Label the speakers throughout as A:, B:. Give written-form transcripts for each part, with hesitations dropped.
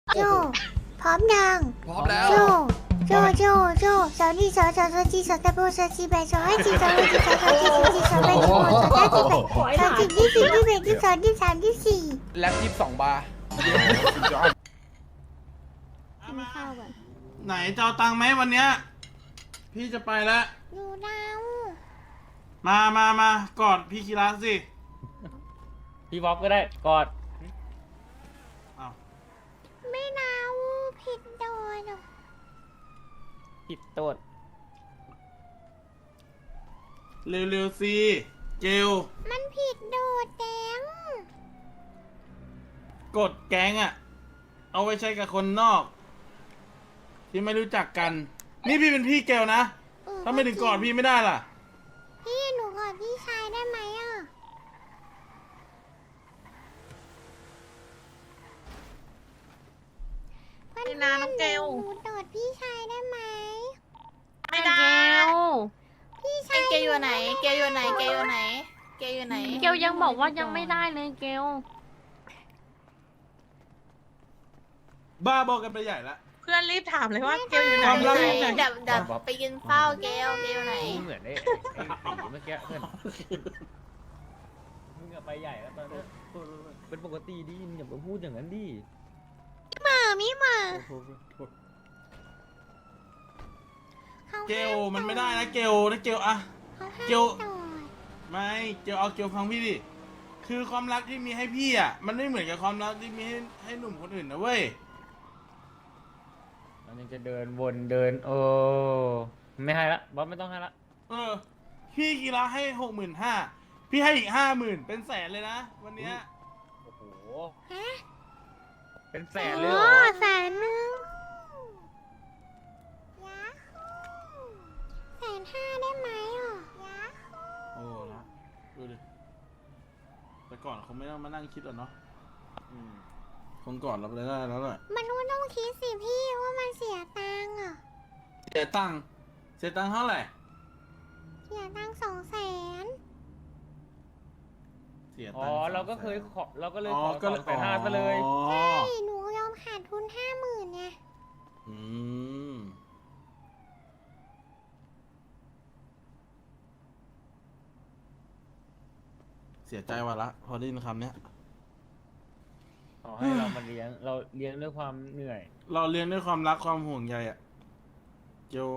A: โจพร้อมยัง
B: พร้อมแล้ว
A: โจสาวนี่สาวจีสาวตะโบสาวจีแบสาวให้จีสาวให้จีสาวจีสาวแบสาวสาวจีแบสาวจีที่สี่ที่แบที่สองที่สามที่สี่
B: แล็บ22 บาร์
A: กินข้าวก่อน
C: ไหนจะเอาตังค์ไหมวันเนี้ยพี่จะไปแล้ว
A: อยู่ดาว
C: มากอดพี่คีระสิ
D: พี่บ๊อบก็ได้กอด
C: อ้าว
A: ไม่ดาวผิดโดน
D: ผิดโตด
C: เร็วๆสิเกล
A: มันผิดโดดแดง
C: กดแก๊งอะเอาไว้ใช้กับคนนอก ที่ไม่รู้จักกัน นี่พี่เป็นพี่เกลนะถ้าไม่ถึงกอดพี่ไม่ได้ล่ะ
A: พี่หนูกอดพี่ชายได้ไหมอ่ะ
E: ไม่นานน้องเกล
A: หนูกอดพี่ชายได้ไหม
E: ไม่ได้
A: พี่ชา
E: ไอ้
A: ย
E: เกลอยู่ไหน เกลอยู่ไหน เกลอยู่ไหน เกลอยู่ไหน
F: เกลยังบอกว่ายังไม่ได้เลยเกล
C: บ้าบอกกันไปใหญ่ละ
E: เพื่อนรีบถามเลยว่าเกลอยู่ไหน
C: ความลับ
E: เดี๋ยวไปกินเฝ้าเกลอยู่ไหน
D: เหมือนไอ้ตีเมื่อกี้เพื่อนมึงอะไปใหญ่แล้วตอนนี้เป็นปกติดิอย่ามาพูดอย่างนั้นดิ
E: มิมา
C: เกลมันไม่ได้นะเกลนะเกลอะ เกล ไม่เกลเอาเกลฟังพี่ดิคือความรักที่มีให้พี่อะมันไม่เหมือนกับความรักที่มีให้หนุ่มคนอื่นนะเว้ย
D: มันยังจะเดินวนเดินโอ้ไม่ให้ละบ๊อบไม่ต้องให้ละ
C: พี่กีฬาให้65,000พี่ให้อีก50,000เป็นแสนเลยนะวันเนี้ย
D: โอ้โหเป็นแสน
A: โอ้
D: เลยเหรอ
A: แสนหนึ่งยาฮู150,000ได้ไหมอ่ะยาฮู
C: โอ้ละดูดิแต่ก่อนเขาไม่ต้องมานั่งคิดหรอกเนาะคงก่อนเราไปได้แล้วแหละ
A: มันก็ต้องคิดสิพี่ว่ามันเสียตังค์อ่ะ
C: เสียตังค์เท่าไหร่
A: เสียตังค์200,000
C: เสีย
D: อ๋
C: ตั
D: อง
C: ค์
D: เราก็เคยขอเราก็เลย
C: อ๋อ
D: ขอ
C: ก็
D: 250,000ซะเลย
C: อ๋อ
A: ใช่หนูยอมขาดทุน50,000ไง
C: อืมเสียใจว่ะละพอได้ยินคำเนี้ย
D: ขอให้เรามาเลี้ยงเราเลี้ยงด้วยความเหนื่อย
C: เราเรียนด้วยความรักความห่วงใยอะเกียว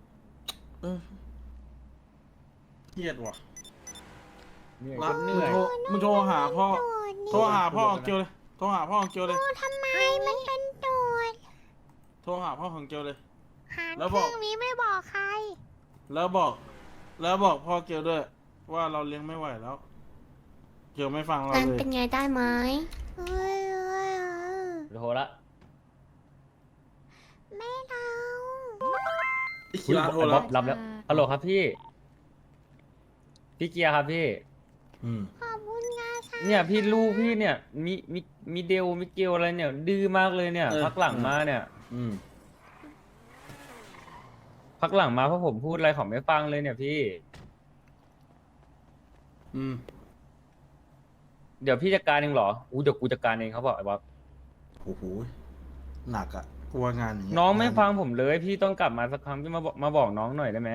C: เครียดว่ะ
D: เหนื่อย
C: รั
D: จ
C: ก
D: นเหนื่อย
C: มึงโทรหาพ่อ
A: โดดนี่
C: โทรหาพ่อของเกียวเลย โทรหาพ่อของเกียวเลย
A: ทำไมมันเป็นโดด
C: โทรหาพ่อของเกียวเลย
A: หาร
C: แล้ว
A: เค
C: บอก
A: รื่องนี้ไม่บอกใคร
C: แล้วบอกพ่อเกียวด้วย ว่าเราเลี้ยงไม่ไหวแล้ว เกียวไม่ฟังเรา
F: การ
C: เลย
F: เป็นไงได้ไหม
A: เอ้ย
D: โทรละ
A: ไม่เอา
C: กีฬาโทร
D: ไอ้
C: แล้
D: บ๊อ
C: ว
D: บรับแล้วฮัลโหลครับพี่เกียร์ครับพี่
A: ขอบคุณงาชา
D: เนี่ยพี่ลูกพี่เนี่ยมีเดลมีเกลอะไรเนี่ย ดื้อมากเลยเนี่ย พักหลังมาเนี่ย พักหลังมาเพราะผมพูดอะไรเขาไม่ฟังเลยเนี่ยพี่ เดี๋ยวพี่จัดการเองเหรอเดี๋ยวกูจัดการเองเขาบอกไอ้บ๊อบ
C: โอ้โห หนักอะกลัวงานอย่างเงี้ย
D: น้องไม่ฟังผมเลย พี่ต้องกลับมาสักครั้งพี่มาบอกน้องหน่อยได้ไหม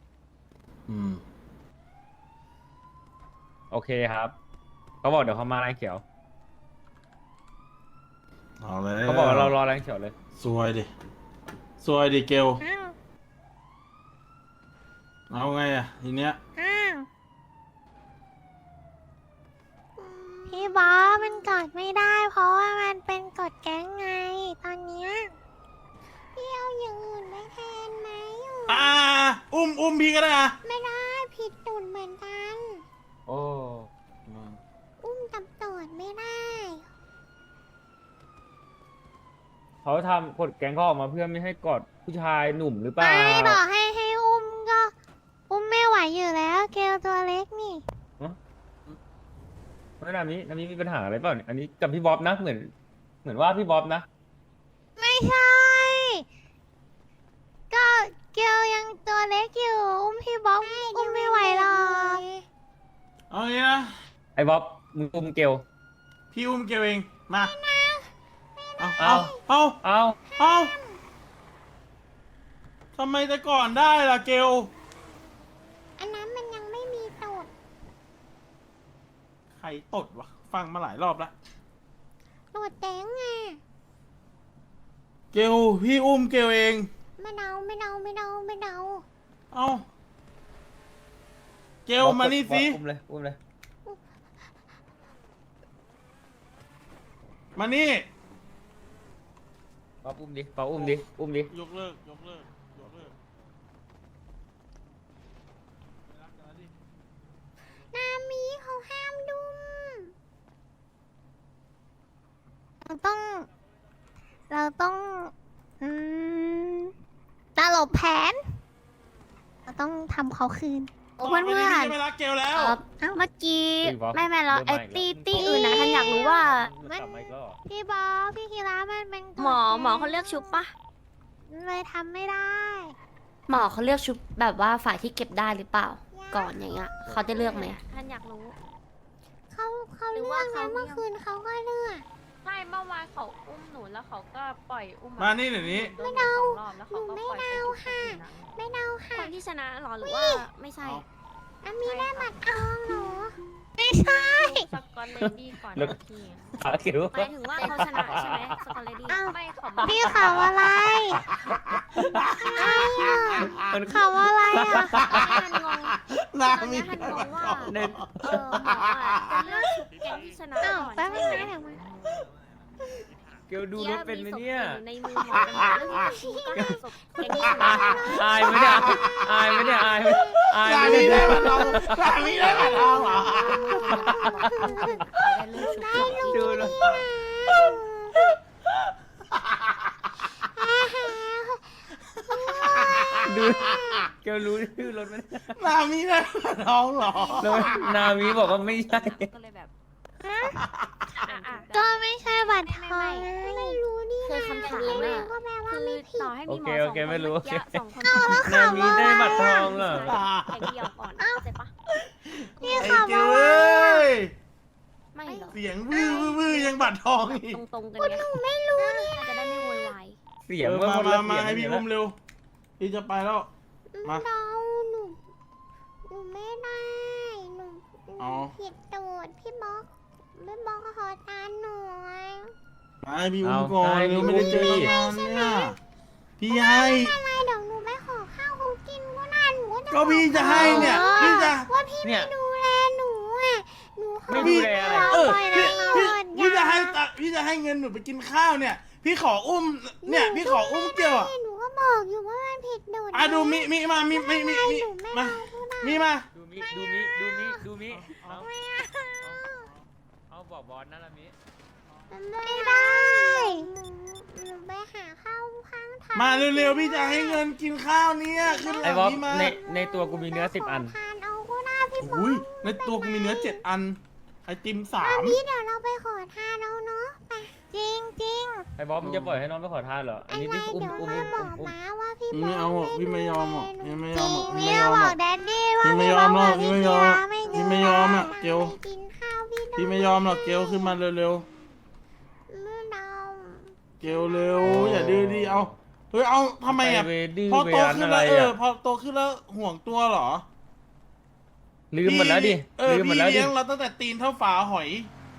D: โอเคครับเขาบอกเดี๋ยวเขามาแรงเขียว
C: เอาเลย
D: เขาบอกว่าเรารอแรงเขียวเลย
C: สวยดิเกล
A: อ้าว
C: เอาไงอะทีเนี้ย
A: อ้าวพี่บอสมันกดไม่ได้ เพราะว่ามันเป็นกดแก๊งไง ตอนเนี้ยพี่เอาอย่างอื่นไปแทนไหมอ่ะ
C: อุ้มพี่ก็ได้อะ
A: ไม่ได้ผิดตูดเหมือนกัน
D: โอ้
A: อุ้มกับตูดไม่ได้
D: เขาทำกฎแก๊งเขาออกมาเพื่อไม่ให้กอดผู้ชายหนุ่มหรือเปล่า
A: ไม่บอกให้อุ้มก็ อุ้มไม่ไหวอยู่แล้วเกลตัวเล็กนี่
D: ไม่นามิมีปัญหาอะไรเปล่าเนี่ยอันนี้กับพี่บ๊อบนะเหมือนว่าพี่บ๊อบนะ
A: ไม่ใช่ ก็เกลยังตัวเล็กอยู่ อุ้มพี่บ๊อบอุ้มไม่ไหวหรอก
C: เอางี้นะ
D: ไอ้บ๊อบมึงอุ้มเกล
C: พี่อุ้มเกลเอง มา เอาเอาทำไมแต่ก่อนได้ล่ะเกล
A: อันนั้นมันยังไม่มีตด
C: ใครตดวะฟังมาหลายรอบแล้ว
A: ตดแดงอ่ะ
C: เกลพี่อุ้มเกลเอง
A: ไม่เดา
C: เอาเกลมานี่สิ
D: อุ้มเลย
C: มานี่
D: ป๊อปอุ้มดิ
C: ยกเลิกไม่รักกันแล้วดิ
A: นามีเขาห้ามดุมเราต้องตลบแผน เราต้องทำเขาคืน
E: โอ้เพื่อน
C: ต่ไปนี้พี่จะไม่รักเกลแล้ว
F: เมื่อกี้
D: เฮ้ยบอส
F: ไม่แล้ว
D: เริ่
F: ไอ้
D: มมาอีกแล้ว
F: ตีอื่นนะท่านอยากรู้ว่า
D: มันกลับมาอีกแล้วเหรอ
A: พี่บอสพี่คีรามันเป็นกฎ
F: หมอเขาเลือกชุบปะ
A: เลยทำไม่ได้
B: หมอเขาเลือกชุบแบบว่าฝ่ายที่เก็บได้หรือเปล่า ก่อนอย่างเงี้ยเขาจะเลือกไหม
F: ท่านอยากรู้
A: เขา
F: หรื
A: เลื
F: อ
A: อ
F: ว่าก เขา
A: นะเมื่อคืนเขาก็เลือก
F: ใช่เมื่อวานเขาอุ้มหนูแล้วเขาก็ปล่อยอุ้ม
C: มานี่เดี๋ยวนี้
F: โดนหนูสองรอบแล้วเขาก็ปล่อยไปชุบคนอื่นนะ
A: ไม่เดาค่ะ
B: คนที่ชนะหรอหรือว่าไม่ใช่
C: เอา
A: นามีได้บัตรทองเหรอไม่ใช่
F: สกอตเลดี้ก่อน
D: แล้ว
F: นะพี่
D: ขาเขียว
B: หมายถึงว่าเขาชนะใช่ไหมสกอตเลดี้
A: อ้าว
F: ไม่เขา
A: พี่ข่าวอะไรข่าวอะไรอ่ะ
B: ท่านงง
C: นา
B: ตอน
C: มี
B: นี้ท่านงงว่า
D: เน็ต
B: หมออ่ะจะเลือกชุบแก๊งที่ชนะ
A: อ้าว
B: ก่อน
A: แป๊บนึง
B: ใช่
A: นะ
B: ไหม
A: เดี๋ยวมา
D: เกลดูรถเป็นไหมเนี่ย
B: ในมือหมอเป็นหมอแล้วชุบก็หาศพแก๊งที่ชนะ
D: อายไหมเนี่ยอายไหม
C: นามี
D: เนี่
C: ได้
D: ย
C: บัตรทองนามีได้บัตรทองเหรอ
B: เขาได้เลือกชุบก่อนที่
D: ดูรถดูเกลรู้ชื่อรถไหมเนี่ย
C: นามีได้บัตรทองเหรอ
D: แล้วนามิบอกว่าไม่ใช่
B: ก็เลยแบบ
A: ก็ไม่ใช่บัตรทองไม่รู้นี่
B: คือคำถามอะ
A: ก็แปลว่า
B: คือ
A: ไม่ผิด
B: ต่อให้มีหมอ
D: โอ
B: สอง
D: เค
B: คน
D: ไม่รู้
B: เมื่อกี้สองคน
D: นามิได้บัตรทองเหรอ
B: แข่งเดียวก่อนเข้าใจปะ
A: พี่
C: ไอ้
A: ข่าว
C: เกล
A: ว่า
C: เอ้ย
B: ไม่หรอก
C: เสียงวื้อยังบัตรทองอีก
B: ตรงๆกันไงไม่รู้เนี่ยจะได้ไม่โวยวาย
D: เสียง
C: มา
D: ว่าคนละ
C: มา
D: เสียง
C: ให้พี่อุ้มเร็ว พี่จะไปแล้ว มา
A: เราหนูไม่ได้หนู
C: อ๋อ
A: ผิดตูดพี่บล็อกขอตามหน่อย
C: มาให้พี่อุ้มก่อนเร็วไม่ได้เจอกันนานเนี่ยพี่ให้
A: อะไรเดี๋ยวหนูไปขอข้าวเขากินก็นานหนูก็จะ
C: ก็พี่จะให้เนี่ยพี่จะ
A: ว่าพี่
D: เนี่ย
A: ดูแลหนูอ่ะหนูขอ
D: ไม่ดูแลอะไร
C: เออ
A: ปล่อย
C: พี่
A: นะ
C: พี่จะให้ตังค์พี่จะให้เงินหนูไปกินข้าวเนี่ย พี่ขออุ้มเนี่ยพี่ขออุ้มเกี่ยวอ่ะ
A: หนูก็บอกอยู่ว่ามันผิดโดด
C: อ่ะดูมิมามิ
A: หนูไม่
C: มา
A: เอาทุก
C: มีมา
D: ดูมิเอาเอาบอกบอลนั่นละมิ
A: ไม่ได้หนูไปหาข้าวข้างทาง
C: มาเร็วๆพี่จะให้เงินกินข้าวเนี่ยขึ้นห
D: ไอ้
C: ลัง
D: บอส
C: พี่มา
D: ในตัวกูมีเนื้อ10 อัน
A: ทานเอาก็ได้พี่บอ
C: อุ้ย
A: ส
C: ในตัวกูมีเนื้อ7 อันไอติม
A: พี่เดี๋ยวเราไปขอทานเอาเนาะไปจริง
D: ไอ้บอสมึงจะปล่อยให้น้องไปขอทานเหรอ อัน
A: อะไร
D: นี้ที่อุ้ม
A: เดี๋ยว
D: อุ้ม
A: มา
D: อุ้ม
A: บอก
D: อุ้ม
A: มาว่าพี่
C: 3ไม่เอาหรอกพี่ไม่ยอมหรอกพี่ไม่ยอมหรอก
A: พี่
C: พี่ไม่ยอมห
A: บ
C: ร
A: อ
C: อก
A: กแดดดี้ว่า
C: พี่ไม่ยอมหรอก
A: พี่
C: พี่ไม่ยอม
A: พี่
C: พี่ไม่ยอมอะเกล
A: ไปกินข้าวพี่
C: พี่ไม่ยอมหรอกเกลขึ้นมาเร็ว
A: ไม่เอา
C: ๆเกลเร็วอย่าดื้อดิเอาเฮ้ยเอาทำไมอ่ะ
D: ปเวดื้อ
C: พอ
D: เว
C: โต
D: รัน
C: ขึ้น
D: อะไร
C: แล้ว
D: อ่ะ
C: พอโตขึ้นแล้วห่วงตัวเหรอ
D: ลืมหมดแล้วดิ ลืมหมด
C: พี่
D: แล้วดิ
C: เลี้ยงเราตั้งแต่ตีนเท่าฝาหอย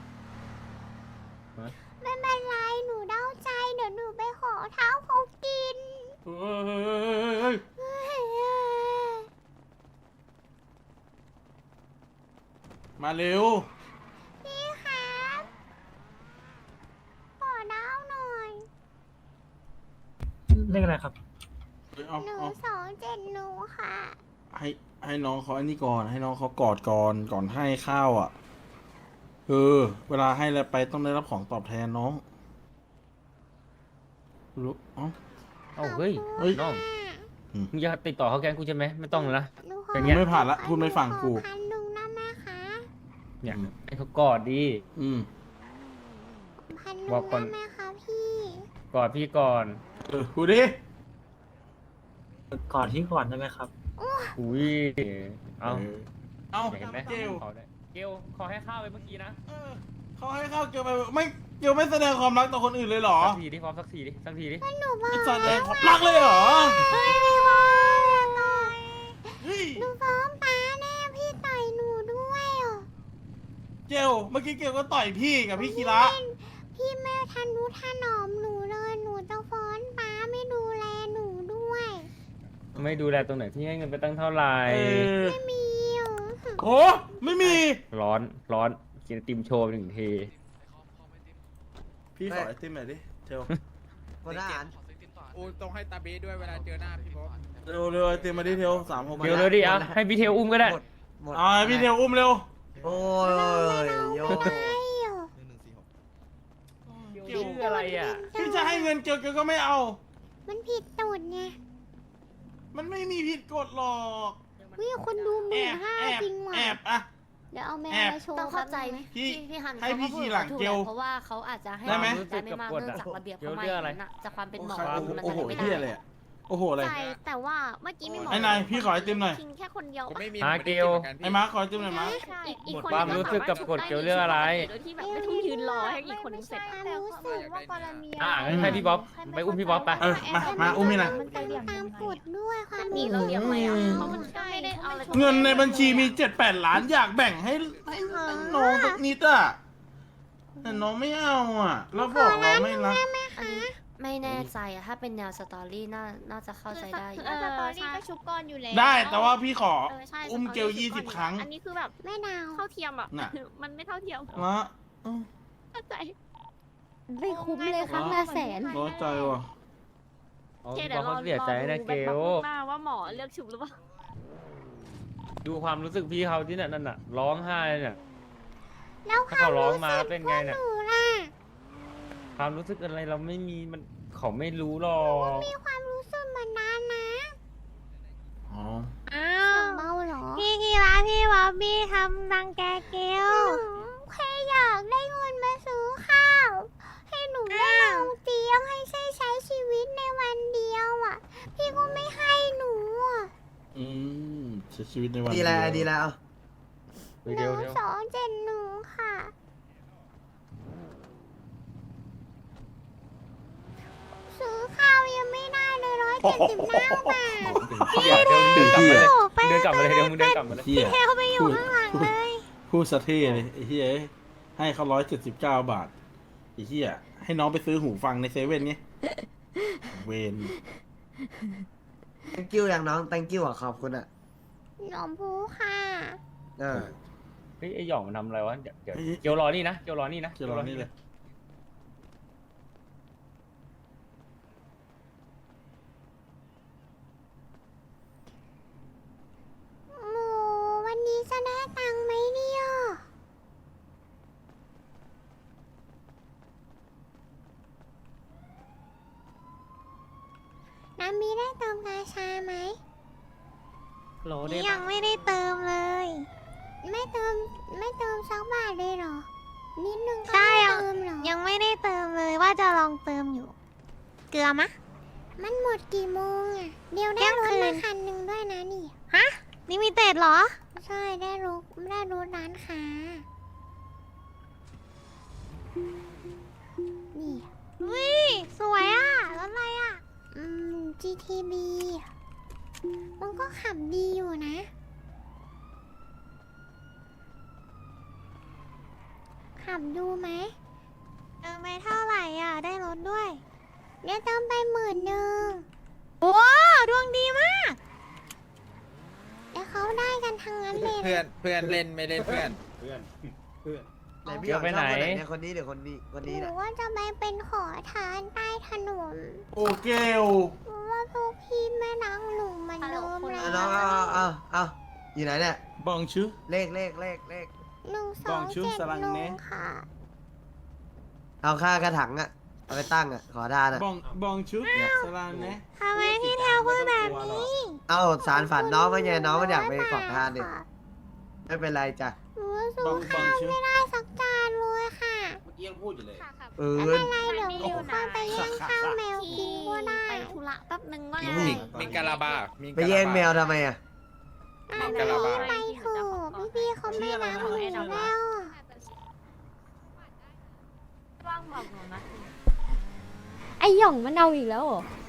A: ไม่เป็นไรหนูเดาใจเดี๋ยวหนูไปขอเท้าเขากิน
C: เฮ้ยมาเร็ว
A: พี่ครับขอเท้าหน่อย
G: เลขอะไรครับ
C: เอา
A: หนู
C: เอา
A: 270หนูค่ะ
C: ให้น้องเขาอันนี้ก่อน ให้น้องเขากอดก่อนให้ข้าวอ่ะเวลาให้อะไรไปต้องได้รับของตอบแทนน้องรู้เอ้า
D: เอ้าเฮ้ย
C: เฮ้ย
D: น้อง
C: อืม
D: มึงจะติดต่อเขาแกงกูใช่ไหมไม่ต้องแล้วนะ
A: หนูขอ
D: อย่างเงี้ย
C: ไม่ผ่านละพูดไม่ฟังกู
A: ขอ1,000ได้ไหมคะ
D: เนี่ยให้เขากอดดี
C: อืม
A: 1,000
D: บอกก่อน
A: ได้ไหมคะพี่
D: กอดพี่ก่อน
C: พูดดิ
G: ก่อนที่ก่อนได้ไหมครับ
D: อุ้ยเอา
C: เอา
D: เห็นไหม
C: เกล
D: เขาได้เกลขอให้ข้าวไปเมื่อกี้นะ
C: เขาให้ข้าวเกลไปไม่เกลไม่แสดงความรักต่อคนอื่นเลยเหรอ
D: สักทีดิพร้อมสักทีดิสักทีดิ
A: หนูบอก
C: ไม่แสดงความรักเลยเหรอ
A: เฮ้ยพี่บอลอย่าต่อย
C: เฮ้ย
A: หนูฟ้องป้าแน่พี่ต่อยหนูด้วยเหรอ
C: เกลเมื่อกี้เกลก็ต่อยพี่กับพี่คีระ
A: พี่ไม่ทันรู้ถนอมหนูเลยหนูจะฟ้องป้าไม่ดูแลหนูด้วย
D: ไม่ดูแลตรงไหนที่ให้เงินไปตั้งเท่าไหร่
A: ไม่มีเหรอ
C: โอ้ไม่มี
D: ร้อนกินไอติมโชว์หนึ่งที
C: พี่ขอไอติมหน่อยดิเทล
G: คนทหาร
H: อูต้องให้ตาเบสด้วยเวลาเจอหน้าพี่บ๊อบ
C: เร็วไอติมมาดิเทล36
D: เดี๋ยวเลยดิอ่ะให้พี่เทลอุ้มก็ได้
G: หมด
C: อ่าพี่เทลอุ้มเร็ว
G: โอ้ยโย
A: ไม่เหรอ
D: เกี่ยวอะไรอ่ะ
C: พี่จะให้เงินเกลก็ไม่เอา
A: มันผิดตูดไง
C: มันไม่มีผิดกฎหรอก
A: วิคนดูห
C: แอ
A: มื่น
C: บ
A: ห้า
C: แอบ
A: จริงว่ะ
C: แอบอะ
A: เดี๋ยวเอาแมว
C: แอบ
A: มาโชว์
B: ต้องเข้าใจไหม
C: พี่
B: พี่ฮัน
C: ให้
B: เขา
C: พี่
B: ก็พู
C: ขี่
B: ด
C: หลัง
B: ถูก
C: เกล
B: แหละเพราะว่าเขาอาจจะให้
C: ได้ไหม
B: ได้ไม่มากเนื่องจากระเบียบเขาไม่
D: เกี่ยวอะไร
B: นั่นน่ะจากความเป็นหมอ มัน
C: โอ้โห
B: ไม่
C: เฮีย
B: ได้
C: เลยอะโอ้โหอะไร
I: ใช่แต่ว่าเมื่อกี้มีหมอ
C: ไอ้นายพี่ขอไอติมหน่อย
I: คิงแค่คนเดียว
H: ผมไม่มี
D: อ่ะ
H: ผมไม่ได้
D: เกล
H: หมือนนพี่
C: ไอ้มาร์คขอไอติมหน่อยมาร์ค
I: อีกคน
D: ความรู้สึกกับกฎเกี่ยวเรื่องอะไร
I: โดยที่แบบไม่ต้องยืนรอให้อีกคนนึงเสร็จ
A: ความรู้สึก
I: ว่ากรณี
D: อ่ะงั้นให้พี่บ๊อบไปอุ้มพี่บ๊อบไป
C: มาอุ้มนี่นะ
A: มันตามกฎด้วยความ
I: มี
A: รู้
I: เรา
A: สึก
I: เรียกอะไรอ่ะเพราะมันก็ไม่ได้เอาอะไร
C: เงินในบัญชีมี 7-8 ล้านอยากแบ่งให้น้องสักนิดอะแต่น้องไม่เอาอะแล้วบอกเราไม่รัก
B: อันนี้ไม่แน่ใจอะถ้าเป็นแนวสตอรี่น่าจะเข้าใจได้อยู่
I: สตอรี่ก็ชุบก้อนอยู่แล้ว
C: ได้แต่ว่าพี่ขอ
I: ใช่
C: อุ้มเกล
I: สตรี่ชุบ
C: 20 ครั้ง
I: อันนี้คือแบบ
A: แม่ดาว
I: เท่าเทียมแบบ
C: น่ะ
I: มันไม่เท่าเทียม
C: ละ
I: เข้าใจ
A: ไม่คุ้มเลยครั้งละแสน
C: ร้อนใจว่ะ
D: อ๋อ
I: เก
D: พี่
I: เดี๋
D: บ๊
I: ย
D: อบ
I: วรอ
D: เขาเสียใจนะ
I: ดู
D: เกล
I: หน้าว่าหมอเลือกชุบหรือเปล่า
D: ดูความรู้สึกพี่เขาที่นั่นน่ะร้องไห้เนี่ย
A: แล้วค
D: ถ้าว
A: าม
D: เขาร้อง
A: รู้
D: มา
A: สึก
D: เป็น
A: พ
D: ไง
A: วก
D: เนี่
A: ห
D: ย
A: นูล่ะ
D: ความรู้สึกอะไรเราไม่มีมันเขาไม่รู้หรอก
A: มีความรู้สึกเหมือนนั้นนะ
C: อ๋อ
A: อ้าวเมาเหรอพี่กีฬาพี่บ๊อบบี้ทำรังแกเกลแค่อยากได้เงินมาซื้อข้าว ให้หนูได้นอนเตียงให้ใช้ชีวิตในวันเดียวอ่ะ พี่ก็ไม่ให้หนูอ่ะ
C: อืมใช้ชีวิตในวัน
G: ดีแล้วดีแล้ว
D: เดี๋ยว
A: 1271ค่ะ ซื้อข้าวยังไม่ได้เลย179 บาท
D: เดี๋ยวเดินกลับมาเลย
A: โอ้ไป
D: เดินกลับมาเลยเดี๋ยวมึงเดินกลับมาเลย
C: เฮีย
A: เทลไปอยู่ข้างหลังเลย
C: พูดสะเท่เลยไอ้เฮียให้เขา179 บาทไอ้เฮียให้น้องไปซื้อหูฟังในเซเว่นไงเวน
G: thank you อย่างน้อง thank you อ่ะขอบคุณอ่ะ
A: หนมพูค่ะ
G: เออ
D: เฮ้ยไอหย่องมันทำอะไรวะเดี๋ยวเกียวรอนี่นะเกียวรอนี่นะ
C: เกี่ยวกับนี่เลย
A: หมูวันนี้จะได้ตังค์ไหมเนี่ยน้ำมีได้เติมกาชาไหม
D: โหล
A: ยังไม่ได้เติมเลย ไม่เติมสักบาทเลยเหรอ นิดนึงก็ไม่เติมเหรอ ยังไม่ได้เติมเลยว่าจะลองเติมอยู่ เกลือมะ มันหมดกี่โมงอ่ะ เดี๋ยวได้รถมาคันหนึ่งด้วยนะนี่ ฮะ นี่มีเต็ดเหรอ ใช่ได้รถร้านค้า นี่วิสวยอ่ะรถอะไรอ่ะ GTB มันก็ขับดีอยู่นะ ขับดูไหมไปเท่าไหร่อ่ะ ได้รถด้วย เดี๋ยวเติมไป10,000โอ้ดวงดีมาก เดี๋ยวเขาได้กันทั้งนั้นเลย
H: เพื่อนเล่นไม่เล่นเพื่อน
G: ไหนพี่หยองชอบคนไหนเนี่ยคนนี้หรือคนนี้คนนี้
A: ห
G: น่ะ
A: รือว่าจะไปเป็นขอทานใต้ถนน
C: โอเกล
A: เพราะว่าพวกพี่ไม่รักหนูเหมันเดิมแล้
G: เอาน้อง
A: ว
G: เอาอยู่ไหนเนี่ย
C: บองชื่อ
G: เลข
A: 1271ค่ะ
G: เอาค่ากระถังอ่ะ เอาไปตั้งอ่ะ ขอทานอ่ะ
C: บองชื่อสลานเนะ
A: ทำไมพี่แทวพูดแบบนี้
G: เอาสารฝันน้องไม่ไงน้องมันอยากไปขอทานเนี่ยไม่เป็นไรจ้ะ
A: หนูว่าซื้อข้าวไม่ได้สักจานเลยค่ะ
C: เมื่อกี้ยังพูดอยู่เลย
I: ค่ะค่ะ
G: เออ
A: ไม่เป็นไรเดี๋ยวหนูเข้าไปแย่งข้าวแมวกินก็ได้
I: ไปธุระแป๊บนึงว่า
G: อื
I: ไง
G: ม
H: มีกาลาบามี
G: ไปแย่งแมวทำไมอ่ะ
A: อ่ะไปเถอะพี่ๆเขาไม่รักหนูแล้ว
I: วาง
F: บอกหนูนะ
I: ไอหย่องมันเอาอีกแล้วเหรอ